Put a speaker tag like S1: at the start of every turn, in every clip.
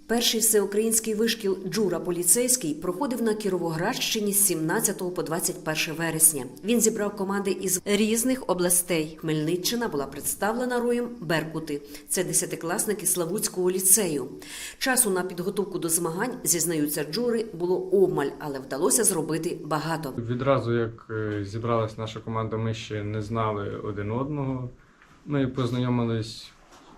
S1: Перший всеукраїнський вишкіл «Джура поліцейський» проходив на Кіровоградщині з 17 по 21 вересня. Він зібрав команди із різних областей. Хмельниччина була представлена роєм «Беркути». Це 10-класники Славутського ліцею. Часу на підготовку до змагань, зізнаються джури, було обмаль, але вдалося зробити багато.
S2: Відразу, як зібралась наша команда, ми ще не знали один одного. Ми познайомились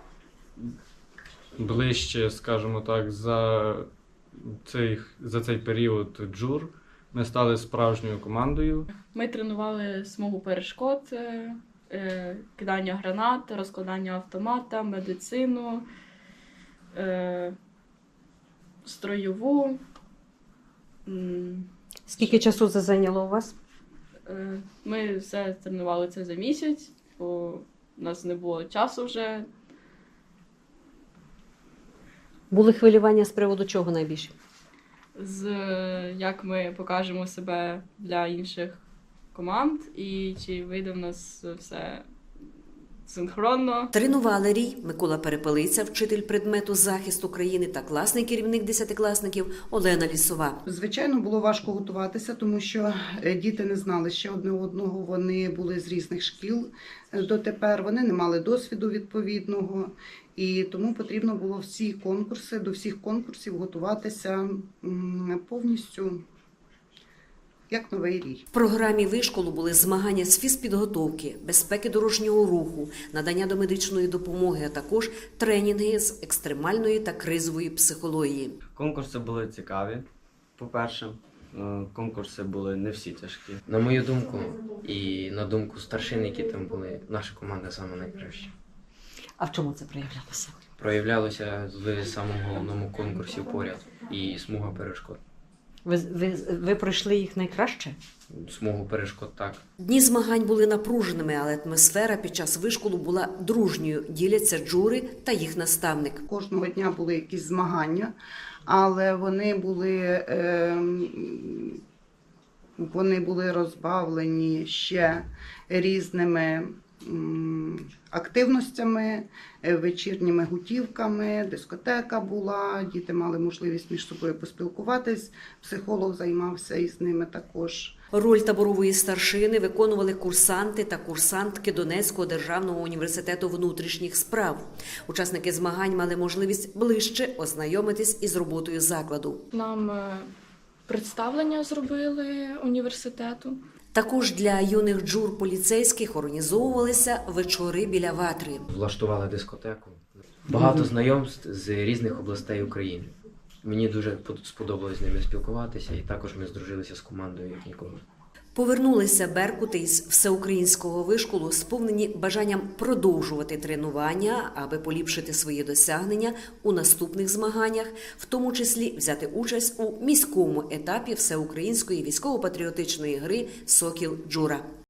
S2: ближче, скажімо так, за цей період джур. Ми стали справжньою командою.
S3: Ми тренували смугу перешкод, кидання гранат, розкладання автомата, медицину, строєву.
S1: Скільки часу це зайняло у вас?
S3: Ми все тренували це за місяць, бо у нас не було часу вже.
S1: Були хвилювання з приводу чого найбільше?
S3: Як ми покажемо себе для інших команд і чи вийде в нас все синхронно.
S1: Тренували рій Микола Перепелиця, вчитель предмету захист України, та класний керівник 10-класників Олена Лісова.
S4: Звичайно, було важко готуватися, тому що діти не знали ще одне одного, вони були з різних шкіл дотепер, вони не мали досвіду відповідного, і тому потрібно було до всіх конкурсів готуватися повністю як новий рій.
S1: В програмі вишколу були змагання з фізпідготовки, безпеки дорожнього руху, надання домедичної допомоги, а також тренінги з екстремальної та кризової психології.
S5: Конкурси були цікаві, по-перше. Конкурси були не всі тяжкі.
S6: На мою думку і на думку старшин, які там були, наша команда саме найкраща.
S1: А в чому це проявлялося?
S6: Проявлялося в самому головному конкурсі поряд і смуга перешкод.
S1: Ви пройшли їх найкраще?
S6: Смугу перешкод так.
S1: Дні змагань були напруженими, але атмосфера під час вишколу була дружньою, діляться джури та їх наставник.
S4: Кожного дня були якісь змагання, але вони були розбавлені ще різними активностями, вечірніми гутівками, дискотека була, діти мали можливість між собою поспілкуватись, психолог займався із ними також.
S1: Роль таборової старшини виконували курсанти та курсантки Донецького державного університету внутрішніх справ. Учасники змагань мали можливість ближче ознайомитись із роботою закладу.
S3: Нам представлення зробили університету.
S1: Також для юних джур поліцейських організовувалися вечори біля ватри.
S6: Влаштували дискотеку. Багато знайомств з різних областей України. Мені дуже сподобалось з ними спілкуватися, і також ми здружилися з командою як ніколи.
S1: Повернулися беркути із всеукраїнського вишколу, сповнені бажанням продовжувати тренування, аби поліпшити свої досягнення у наступних змаганнях, в тому числі взяти участь у міському етапі всеукраїнської військово-патріотичної гри «Сокіл Джура».